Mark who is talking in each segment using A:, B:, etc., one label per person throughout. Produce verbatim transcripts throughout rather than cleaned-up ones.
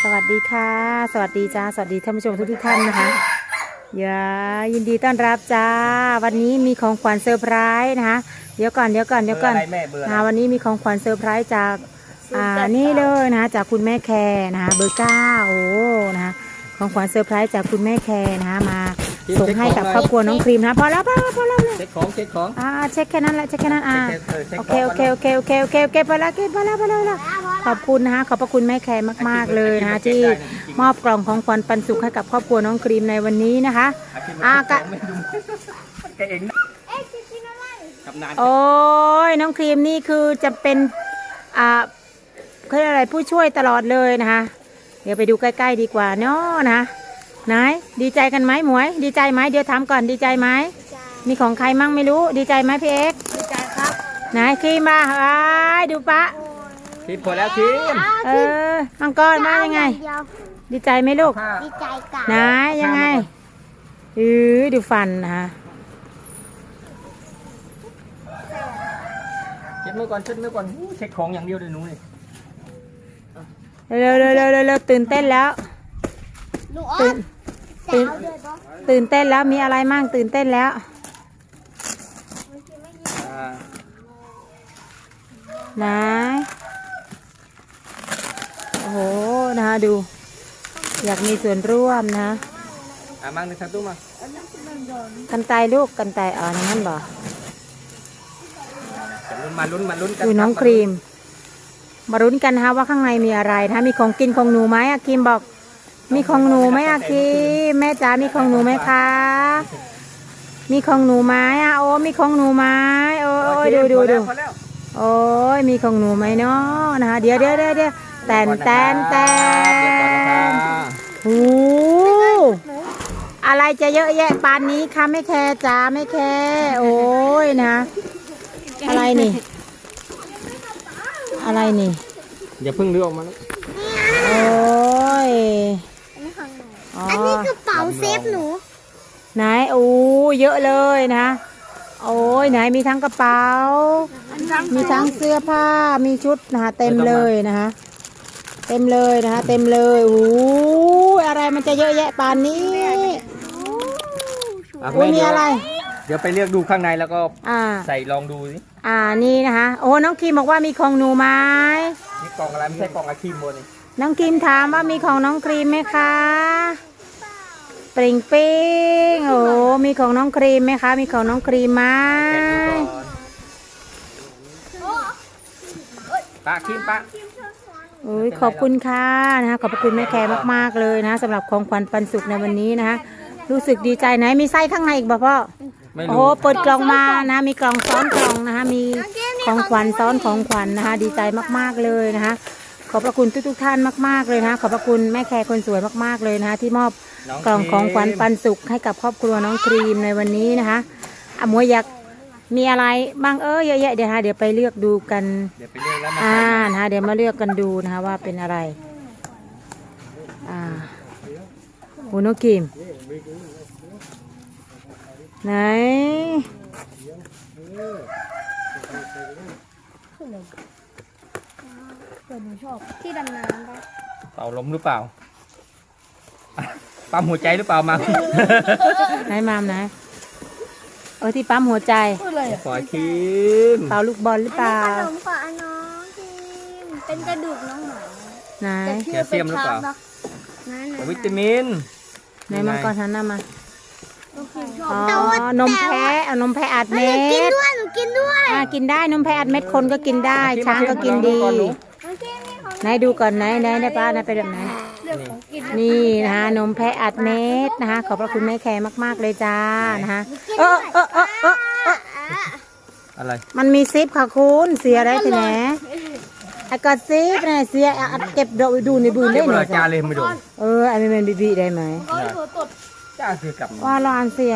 A: สวัสดีค่ะสวัสดีจ้าสวัสดีท่านผู้ชมทุกทุกท่านนะคะอย่ายินดีต้อนรับจ้าวันนี้มีของขวัญเซอร์ไพรส์นะคะเดี๋ยวก่อนเดี๋ยวก่อนเดี๋ยวก่อนนะวันนี้มีของขวัญเซอร์ไพรส์จากอ่านี่เลยนะคะจากคุณแม่แคร์นะคะเบอร์เก้าโอ้นะคะของขวัญเซอร์ไพรส์จากคุณแม่แคร์นะคะมาส่งให้กับครอบครัวน้องครีมนะพอแล้วพอแล้วพอแล้วเลย
B: เช็คของเช็คของ
A: อ่าเช็คแค่นั้นแหละเช็คแค่นั้นอ่าโอเคโอเคโอเคโอเคโอเคโอเคพอแล้วพอแล้วพอแล้วขอบคุณนะคะขอบพระคุณแม่แคร์มากๆเลยนะคะที่มอบกล่องของขวัญปันสุขให้กับครอบครัวน้องครีมในวันนี้นะคะอ่ากะ
B: แกเอง
A: โอ้ยน้องครีมนี่คือจะเป็นอ่าเขาเรียกอะไรผู้ช่วยตลอดเลยนะคะเดี๋ยวไปดูใกล้ๆดีกว่าเนาะนะไหนดีใจกันไหมหมวยดีใจไหมเดี๋ยวถามก่อนดีใจไหมมีของใครมั่งไม่รู้ดีใจไหมพี่เอ็กดีใจครับไหนครีมมาไอ้ดูปะ
B: ครีมพอแล้วครีม
A: เออมังกรมายังไงดีใจไหมลูก
C: ดีใจกัน
A: ไหนยังไงเออดูฟันนะคะ
B: เช็ดมือก่อนเช็ดมือก่อนเช็คของอย่างเดียวเลยหนูนี่
A: เร็วเร็วเร็วเร็วตื่นเต้นแล้วตื่นตื่นตื่นเต้นแล้วมีอะไรมั่งตื่นเต้นแล้วไหนโอ้โหนะคะดูอยากมีส่วนร่วมนะ
B: อ่ะมั่งในสักตู้มา
A: กันไตลูกกันไตอ่อนนั่นบ่
B: มาลุ้นมาลุ้นกัน
A: ดูน้องครีมมาลุ้นกันฮะว่าข้างในมีอะไรนะมีของกินของหนูไหมอะครีมบอกมีของหนูไหมอะครีมแม่จ๋ามีของหนูไหมคะมีของหนูไหมอะโอ้มีของหนูไหมโอ้ยดูดูดูโอ้ยมีของหนูไหมเนาะนะคะเดี๋ยวเดี๋ยวเดี๋ยวเดี๋ยวแตนแตนแตนโอ้อะไรจะเยอะแยะปานนี้คะไม่แคร์จ๋าไม่แคร์โอ้ยนะอะไรนี่อะไรนี่
B: อย่าเพิ่งเลือกออกมานะ
A: โอ้ย
C: อันนี้กระเป๋าเซฟหนู
A: ไหนโอ้เยอะเลยนะโอ้ยไหนมีทั้งกระเป๋ามีทั้งเสื้อผ้ามีชุดนะคะเต็มเลยนะคะเต็มเลยนะคะเต็มเลยโอ้อะไรมันจะเยอะแยะปานนี้โอ้มีอะไร
B: เดี๋ยวไปเลือกดูข้างในแล้วก็ใส่ลองดูสิ
A: อ่านี่นะคะโอ้น้องครีมบอกว่ามีของหนูไหม
B: นี่กล่องอะไรไม่ใช่กล่องอะครีมบนนี่
A: น้องครีมถามว่ามีของน้องครีมไหมคะปริงปิ้งโอ้มีของน้องครีมไหมคะมีของน้องครีมไหม
B: ปะครีมปะ
A: โอ้ยขอบคุณค่ะนะคะขอบคุณแม่แคร์มากๆเลยนะสำหรับของขวัญปันสุขในวันนี้นะคะรู้สึกดีใจไหนมีไส้ข้างในอีกบ่พ่อโอ้โหเปิดกล่องมานะมีกล่องซ้อนกล่องนะคะมีของขวัญซ้อนของขวัญนะคะดีใจมากๆเลยนะคะขอบพระคุณทุกๆท่านมากๆเลยนะขอบพระคุณแม่แคร์คนสวยมากๆเลยนะคะที่มอบกล่องของขวัญปันสุขให้กับครอบครัวน้องครีมในวันนี้นะคะอ่ะมวยอยากมีอะไรบ้างเออเยอะแยะเดี๋ยวฮะเดี๋ยวไปเลือกดูกัน
B: เดี๋ยวไปเลือกแล้ว
A: อ่านะคะเดี๋ยวมาเลือกกันดูนะคะว่าเป็นอะไรอ่าโอ้น้องครีมไหน
C: หนูชอบที่ดำน้ำปะ
B: เป่าลมหรือเปล่าปั๊มหัวใจหรือเปล่ามา
A: ไหนมามไหนเออที่ปั๊มหัวใจ
B: ขอครีม
A: เป่าลูกบอลหรือเปล่า
C: ขนมฝาน้องครีมเป็นกระดูกน้องหมา
A: ไหน
B: แคลเซียมหรือเปล่าวิตามิน
A: ไหนมังกรทันน้ามาอ๋อนมแพะเอานมแพะอัดเม็ด
C: กินด้วยหนูกินด้วย
A: อ่ากินได้นมแพะอัดเม็ดคนก็กินได้ช้างก็กินดีไหนดูก่อนไหนไหนได้ป้านะเป็นแบบไหนนี่นะคะนมแพะอัดเม็ดนะคะขอบพระคุณแม่แคร์มากๆเลยจ้านะคะเออเออเออเออ
B: อะไร
A: มันมีซิปค่ะคุณเสียอะไรทีไหนไอ้กอดซิปเนี่ยเสียอัดเก็บดูดูในบืนได้หน่อย
B: จ้าเลยไม่ดู
A: เออไอ้ไม่เป็นบีบีได้ไหม
B: จ้าคือกลับ
A: ว่าร้านเสีย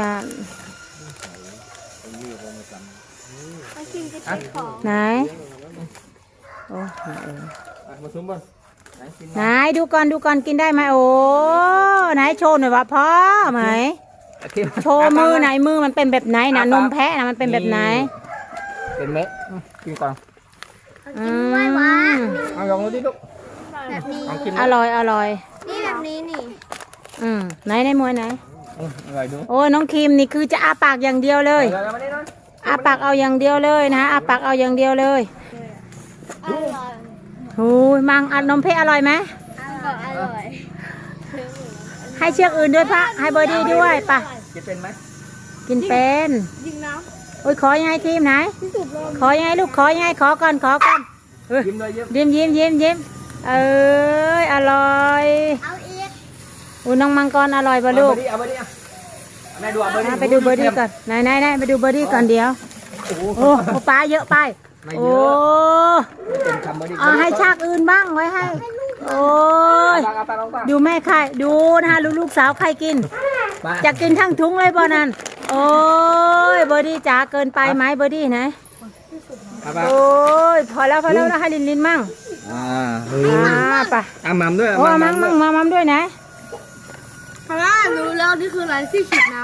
A: ไหนโอ้
B: มาซุ้มบน
A: ไหนดูก่อนดูก่อนกินได้ไหมโอ้ไหนโชว์หน่อยว่าพ่อไหมโชว์มือไหนมือมันเป็นแบบไหนนะนมแพะนะมันเป็นแบบไหน
B: เป็นเม็ดกินก่อน
C: กินด้วยวะ
B: เอาลองดูดิลูก
C: แบบนี้
B: ลองชิม
A: อร่อยอร่อย
C: นี่แบบนี้นี่
A: อืมไหนในมวยไหน
B: อืมอร่อยดู
A: โอ้น้องครีมนี่คือจะอาปากอย่างเดียวเลย
B: เอามานี่หน่อย
A: อาปากเอาอย่างเดียวเลยนะอาปากเอาอย่างเดียวเลย
C: อร่อย
A: โอ้ยมังอัดนมเพชรอร่อยไหม
C: อร่อยอร่อย
A: ให้เชือกอื่นด้วยพระให้เบอร์ดี้ด้วยปะ
B: กินเป็นไหม
A: กินเป็น
C: ยิงน้
A: โอ้ยขอยังไงครีมไหน
C: ำที่สุดเลย
A: ขอยังไงลูกขอยังไงขอก่อนขอก่อนเอ้ย
B: ยิ้มเลยยิ้ม
A: ยิ้มยิ้มยิ้มยิ้มเอ้ยอร่อย
C: เอาอีก
A: อุ้ยน้องมังกรอร่อยป่ะลูก
B: เอาเบอร์ดี้เอาเบอร์ดี้อ่ะแม่ดูเอาเบอร์ดี้
A: อ่ะไปดูเบอร์ดี้ก่อนไหนไหนไหนไปดูเบอร์ดี้ก่อนเดี๋ยว
B: โอ้โห
A: โอ้โอ้ปลาเยอะไป
B: ไม่
A: โอ้
B: เยอะไม่เป็นคำเบอร์ดี้
A: เอาให้ชากอื่นบ้างไว้ให้โอ้ย
B: เอาปลาเอาปลาเอาปลา
A: ดูแม่ไข่ดูนะคะลูกลูกสาวใครกิน
B: ปลา
A: จะกินทั้งถุงเลยบ่นั่นโอ้ยเบอร์ดี้จ๋าเกินไปไหมเบอร์ดี้ไหน
B: เอาปลา
A: โอ้ยพอแล้วพอแล้วนะให้ลินลินมั่ง
B: อ่า
A: อ่าไป
B: เอามัมด้วย
A: โอ้มั่งมั่งมามั่งด้วยนะ
C: เพราะว่ารู้แล้วนี่คืออะไรที่ฉีดน้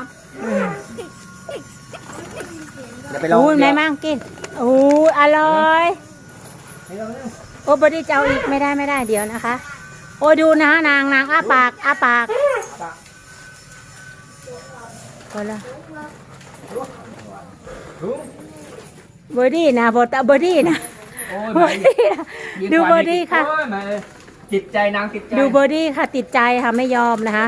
B: เดี๋ยวไปลอง
A: โอ้ยแม่มั่งกินโอ้ยอร่อยโอ้เบอร์ดี้จะเอาอีกไม่ได้ไม่ได้เดี๋ยวนะคะ โอ้ยดูนะนางนางอ้าปากอ้าปากพอแล้วเบอร์ดี้นะบอตเบอร์ดี้นะ
B: โอ้ย
A: เบอร์ดี้นะดูเบอร์ดี้ค่ะ
B: โอ้ยมาเลยจิตใจนางจิตใจ
A: ดูเบอร์ดี้ค่ะติดใจค่ะไม่ยอมนะคะ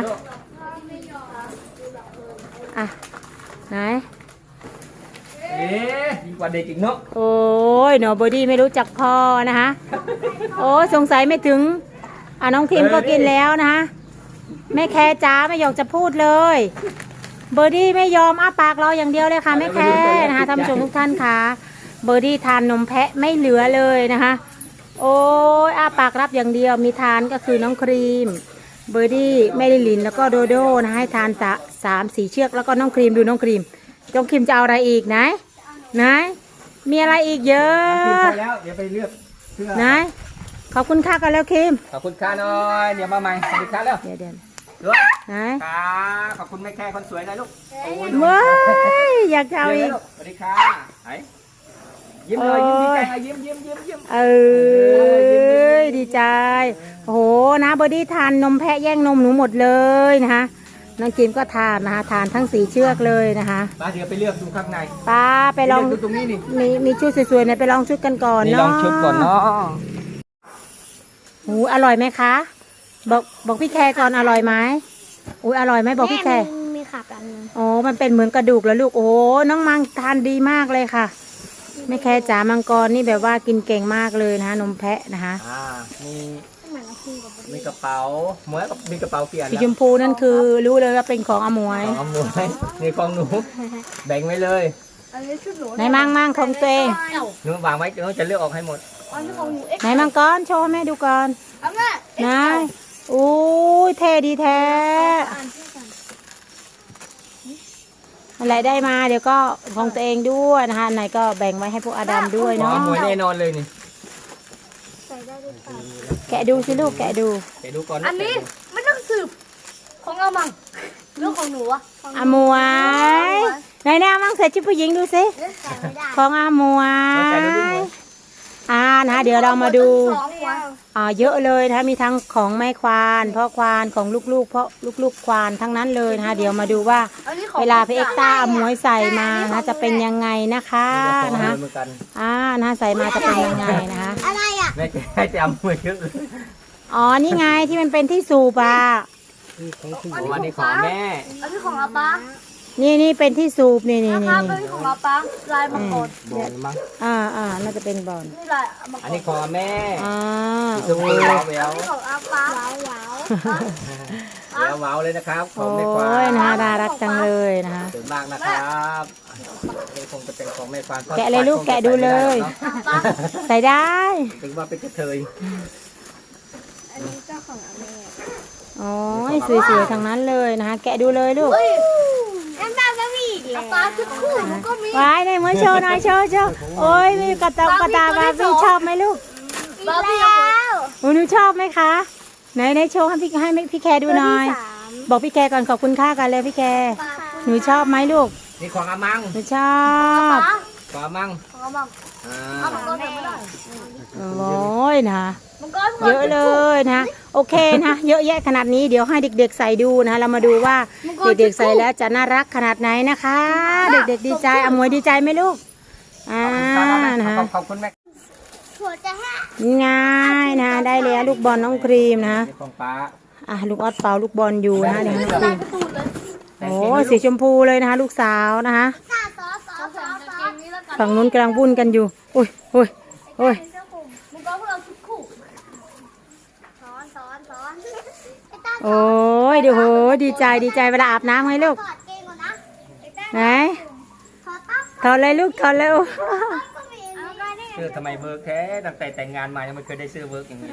A: อ่ะไหน
B: เอ๊ะดีกว่าเด็กอีกเนาะ
A: โอ้ยหนอเบอร์ดี้ไม่รู้จักพอนะคะโอ้สงสัยไม่ถึงอ่ะน้องทีมก็กินแล้วนะคะแม่แคร์จ้าไม่อยากจะพูดเลยเบอร์ดี้ไม่ยอมอ้าปากรออย่างเดียวเลยค่ะแม่แคร์นะคะท่านผู้ชมทุกท่านค่ะเบอร์ดี้ทานนมแพะไม่เหลือเลยนะคะโอ้ยอ้าปากรับอย่างเดียวมีทานก็คือน้องครีมเบอร์ดี้แม่ลิลินแล้วก็โดโดนะให้ทานสะสามสี่เชือกแล้วก็น้องครีมดูน้องครีมน้องครีมจะเอาอะไรอีกไหนไหนมีอะไรอีกเยอ
B: กิน
A: ะ
B: พอแล้วเดี๋ยวไปเลือกเสื้อ
A: ไหนขอบคุณค่ากันแล้วครีม
B: ขอบคุณค่าหน่อยเดี๋ยวมาใหม่ขอบคุณค่าแล้ว
A: เดี๋ยวเดี๋ยว
B: ด้วย
A: ไหน
B: ค่ะขอบคุณแม่แค่คนสวยนะลูกโอ้ย
A: เว้ยอยากจะเอาอีก
B: สวัสดีค่ะไหนยิ้มเลยยิ้มดีใจนะยิ้มยิ้มยิ้มยิ้ม
A: เอ้ยดีใจโอ้โหนะเบอร์ดี้ทานนมแพะแย่งนมหนูหมดเลยนะคะน้องจิมก็ทานนะคะทานทั้งสีเชือกเลยนะคะ
B: ป้าเดี๋ยวไปเลือกดูข้างใน
A: ป้าไปลอง
B: เลืกดูตรงนี้นี่
A: มีมีชุดสวยๆเนี่ยไปลองชุดกันก่อน
B: นี่ล
A: เนาะ
B: องชุดก่อนเนาะ
A: หูอร่อยไหมคะบอกบอกพี่แคร์ก่อนอร่อยไหมอุ้ยอร่อยไหมบอกพี่แคร์
C: มีขากันนึง
A: โอ้มันเป็นเหมือนกระดูกแล้วลูกโอ้น้องมังทานดีมากเลยค่ะแม่แคร์จ๋ามังกรนี่แบบว่ากินเก่งมากเลยนะคะนมแพะนะคะ
B: อ่ามี
C: เหมือนเราคุยกับ
B: มีกระเป๋าหมวยกับมีกระเป๋าเกียร์
A: สีชมพูนั่นคือรู้เลยว่าเป็นของอมวย
B: ของเอาหมวยนี่ของหนูแบ่งไว้เลย
C: อันนี้ชุดหนู
A: ไหนมั่งมั่งของตัวเอง
B: หนูวางไว้หนูจะเลือกออกให้หมด
C: อันนี้ของหนูเอ็กซ์
A: ไหนมังกรโชว์ให้แม่ดูก่อน
C: เอาแม่
A: ไหนอู้ยเท่ดีแท้
C: อ่านชื่อกัน
A: อะไรได้มาเดี๋ยวก็ของตัวเองด้วยนะคะอันไหนก็แบ่งไว้ให้พวกอาดัมด้วย
B: ของ
A: เนาะ
B: เอาหมวยแน่นอนเลยนี่
C: ใส่ได้ด้วยกัน
A: แกะดูสิลูกแกะดู
B: เดี๋ยวดูก่อน
C: อันนี้ไม่ต้องสืบของเอามังเรื่องของหนูอะของหนู
A: อมวยไหนแน่มั่งใส่ชุดผู้หญิงดูสิ
C: ใส่ไม่ได้
A: ของอมวย อ่านะเดี๋ยวเรามาดู
C: สองวัน
A: อ่าเยอะเลยนะคะมีทั้งของแม่ควานพ่อควานของลูกๆเพราะลูกๆควานทั้งนั้นเลยนะคะเดี๋ยวมาดูว่า
C: อันนี้ของ
A: เวลาพี่เอ็กซ์ต้าเอาหมวยใส่มานะจะเป็นยังไงนะคะ
B: นะ
A: นะคะ
B: เหมือนกัน
A: อ่านะใส่มาจะเป็นยังไงนะคะ
C: อะไรอ่ะ
B: แม่แค่จะเอาหมวยเยอะเลย
A: อ๋อนี่ไงที่มันเป็นที่สูบอ่ะ
B: โอ้อันนี้ของแม่
C: อันนี้ของอาป้า
A: นี่นี่เป็นที่สูบนี่นี่
C: นะ
A: นี่
C: ครับ
A: นี่
C: อันนี้ของอาป้าลายมังกร
B: บอลมั้ง
A: อ่าอ่าน่าจะเป็นบอล
C: นี่ลายมังก
B: อัน
C: ร
B: นี้ของแม่
A: อ่า
B: ชมพูว้าวแหว
C: อั
B: วน
C: นี้ของอาป้าว้าวว้าว
B: แหววว้าวเลยนะครับข
A: โอ้
B: องแม่ควาย น
A: นะคะน่ารักจังเลยนะคะ
B: สวยมากนะครับนี่คงจะเป็นของแม่ควาน
A: แกะเลยลูกแกะดูเลย ใส่ได้
B: ถึงว่าเป็นกระเทย
C: อันนี้เจ้าของอาแม่
A: โอ้ยสวยๆทั้งนั้นเลยนะคะแกะดูเลยลูก
C: เฮ้ยอันบ้าก็มีอีกแล้วอาป้าชุดคู่หนูก็มี
A: ว้ายในมือโชว์หน่อยโชว์โชว์โอ้ยมีกระตากระตาบาร์บี้ชอบไหมลูก
C: บาร์บี้แล้ว
A: โอ้หนูชอบไหมคะไหนไหนโชว์ให้พี่ให้พี่แคร์ดูหน่อย บอกพี่แคร์ก่อนขอบคุณค่ากันเลยพี่แคร์หนูชอบไหมลูก
B: นี่ของอามัง
A: หนูชอบ
C: ป้า
B: ของอามัง
C: ของอามัง
B: อ่า
C: เอามังกรใส่ไม่ได้
A: โอ้ยนะ
C: มังกร
A: เยอะเลยนะโอเคนะเยอะแยะขนาดนี้เดี๋ยวให้เด็กๆใส่ดูนะเรามาดูว่าเด็กๆใส่แล้วจะน่ารักขนาดไหนนะคะ เด็กๆดีใจอมวยดีใจไหมลูกอ่านะ
B: ขอบขอบคุณแม่
C: ถั่วจะแห้ง
A: ง่ายนะได้แล้วลูกบอลน้องครีมนะ
B: ของป้า
A: อ่ะลูกออดเป่าลูกบอลอยู่นะเดี๋ยวน้องครี
C: ลาย
A: ม
C: ประตูเลย
A: โอ้สีชมพูเลยนะคะลูกสาวนะคะ
C: ซอสซอสซอสซอสนี้แล้วกัน
A: ฝั่งนู้นกำลังวุ่นกันอยู่โอ้ยโอ้ยโอ้ย
C: มังกรพวกเราชุดคู่ซ้อนซ้อนซ้อนไอ้ตา
A: โอ้ยเดี๋ยวโหดีใจดีใจเวลาอาบน้ำไงลูก
C: ถอดเกงก่อนนะไอ้ตา
A: ไหน
C: ถอดตั้ง
A: ถอดเลยลูกถอดเร็ว
C: ก็มีเอาไปนี่
B: เสื้อทำไมเวิร์กแท้ตั้งแต่แต่งงานมายังไม่เคยได้เสื้อเวิร์กอย่างนี้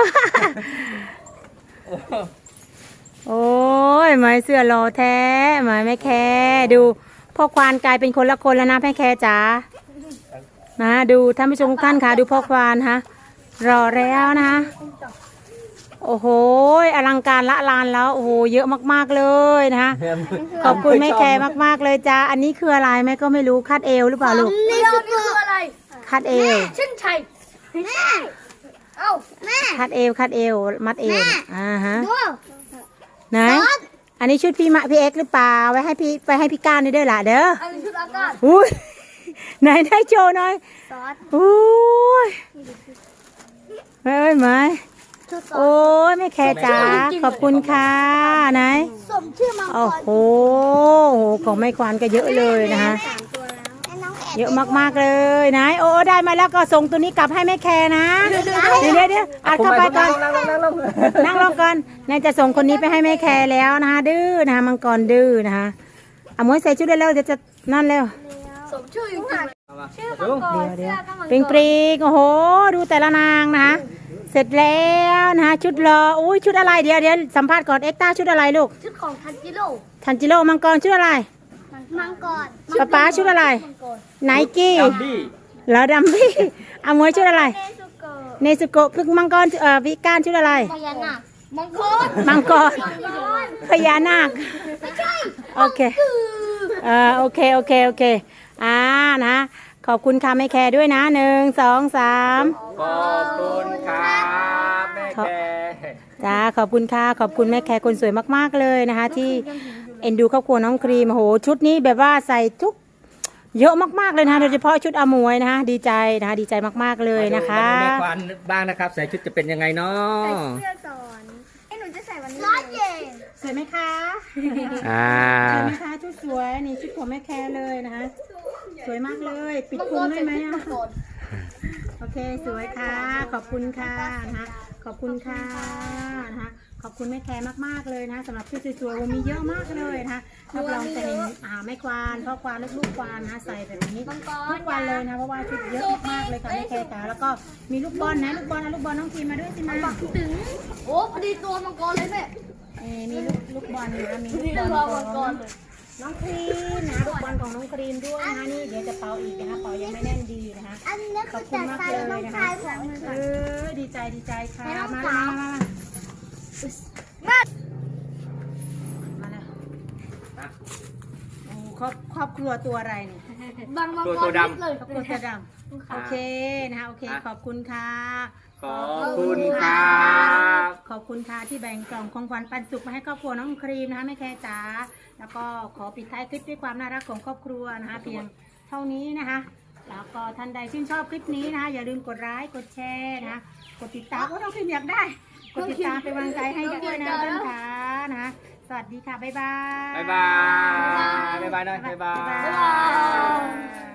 B: โอ้
A: โอ้ยไม้เสื้อรอแท้ไม้แม่แคดูพ่อควานกลายเป็นคนละคนแล้วนะแม่แคจ๋านะดูท่านผู้ชมทุกท่านค่ะดูพ่อควานฮะรอแล้วนะคะโอ้โหอลังการละลานแล้วโอ้โหเยอะมากๆเลยนะคะขอบคุณแม่แคมากๆเลยจ้าอันนี้คืออะไรแม่ก็ไม่รู้คาดเอวหรือเปล่าลูก
C: นี่คืออะไร
A: คาดเอว
C: เช่นชัยแม่เอ้าแม่
A: คาดเอวคาดเอวมัดเอวอ่าฮะ
C: ดู
A: ไหนอันนี้ชุดพี่มะพี่เอ็กซ์หรือเปล่าไว้ให้พี่ไปให้พี่ก้านนี่ด้วยล่ะเด้อ
C: อันนี้ชุดอากาศ
A: อุ้ยไหนได้โชว์หน่อย
C: ซอส
A: อุ้ยเอ้ยไหม
C: ชุดซอ
A: โอ้
C: ส
A: ยไม่แคร์จ๋าขอบคุณค่ะไหน
C: สมชื่อมังก
A: โอ้
C: ร
A: โหของไม่ควานก็เยอะเลยนะคะ
C: สามตัวแล้วไอ้น้องแอบ
A: เยอะมากๆเลยไหนโอ้ได้มาแล้วก็ส่งตัวนี้กลับให้แม่แคร์นะเดี๋ยวเดี๋ยวเดี๋ยวอัดเข้าไปก่อน
B: นั่งลงนั่งลง
A: นั่งลงก่อนนายจะส่งคนนี้ไปให้แม่แคร์แล้วนะคะดื้อนะคะมังกรดื้อนะคะเอามวยใส่ชุดเร็วๆเดี๋ยวจะนั่นเร็ว
C: สมชื่ออยู่ข้างหลังชื่อมังกร
A: เดี๋ยว
C: เสื้อก็มังกร
A: ปริงปริงโอ้โห ดูแต่ละนางนะคะเสร็จแล้วนะคะชุดรออุ้ยชุดอะไรเดี๋ยวเดี๋ยวสัมภาษณ์ก่อนเอ็กต้าชุดอะไรลูก
C: ชุดของทันจิโร่
A: ทันจิโร่มังกรชุดอะไร
C: มังกร
A: ป๊าป๊าชุดอะไร
C: มังกร
A: ไนกี้
B: ดัมบี้
A: แล้วดัมบี้เอามวยชุดอะไร
C: เนสุโกะ
A: เนซุโกะพึ่งมังกรเอ่อวิก้านชุดอะไร
C: พญานาคมังกร
A: มังกร
C: มังกร
A: พญานาค
C: ไม่ใช่
A: โอเคเอ่าโอเคโอเคโอเคอ่านะขอบคุณค่ะแม่แคร์ด้วยนะหนึ่งสองสาม
B: ขอบคุณครับแม่แก
A: จ้าขอบคุณค่ะขอบคุณแม่แคร์คนสวยมากๆเลยนะคะ ที่เอ็นดูครอบครัวน้องครีมโอ้โหชุดนี้แบบว่าใส่ทุกเยอะมากๆเลยนะคะโดยเฉพาะชุดอมวยนะคะดีใจนะคะดีใจมากๆเลยนะคะ
B: มาดูแม่ควันบ้างนะครับใส่ชุดจะเป็นยังไงเนาะ
C: เสื้อสอนไอ้หนูจะใส่วันนี้ร้อยเยน
A: สวยไหมคะ
B: อ่า
A: สวยไหมคะชุดสวยนี่ชุดของแม่แคร์เลยนะคะสวยมากเลยปิดพุงได้ไหมอะโอเคสวยค่ะขอบคุณค่ะนะคะขอบคุณค่ะนะคะขอบคุณแม่แคร์มากๆเลยนะสำหรับชุดสวยๆวันมีเยอะมากเลยนะคะรับรองจะเห็นอ่าแม่ควานพ่อควานลูกๆควานนะใส่แบบนี้ทุกวันเลยนะเพราะว่าชุดเยอะมากๆเลยค่ะแม่แคร์จ๋าแล้วก็มีลูกบอลนะลูกบอลนะลูกบอลน้องทีมาด้วยสิมา
C: ถึงโอ้พอดีตัวมังกรเลยแม่
A: เอ่อมีลูกลูกบอลนะมี
C: พอดี
A: ลูก
C: ตัว
A: บอล
C: มังก
A: ขอ
C: รง เลย
A: น้องครีมนะลูกบอลของน้องครีมด้วยนะคะนี่เดี๋ยวจะเป่าอีกนะคะเป่ายังไม่แน่นดีนะคะ
C: อันนี้
A: ข
C: คือ อบ
A: คุณ
C: จัด
A: มาก
C: ใส่
A: เลย
C: น้อง
A: นะ
C: ชา
A: คะ
C: ยของมือ
A: เอ
C: ค่ะ
A: อดีใจดีใจค่ะ
C: ให้น้อง
A: มา
C: สาว
A: มามา
C: แม่
A: มาเลยโอ้ครอบครอบครัวตัวอะไรเนี่ย
C: บางมังกรเลย
A: ครอบครัวตัวดำโอเคนะคะโอเคขอบคุณค่ะ
B: ขอบคุณครับ
A: ขอบคุณค่ะที่แบ่งกล่องของขวัญปันสุขมาให้ครอบครัวน้องครีมนะคะแม่แคร์จ๋าแล้วก็ขอปิดท้ายคลิปด้วยความน่ารักของครอบครัวนะคะเพียงเท่านี้นะคะแล้วก็ท่านใดชื่นชอบคลิปนี้นะคะอย่าลืมกดไลค์กดแชร์นะคะกดติดตามว่าน้องครีมอยากได้กดติดตามเป็นกำลังใจให้ด้วยนะท่านค่ะนะคะสวัสดีค่ะบ๊ายบาย
B: บ๊ายบายบ๊ายบายหน่อยบ๊ายบาย
A: บ๊ายบาย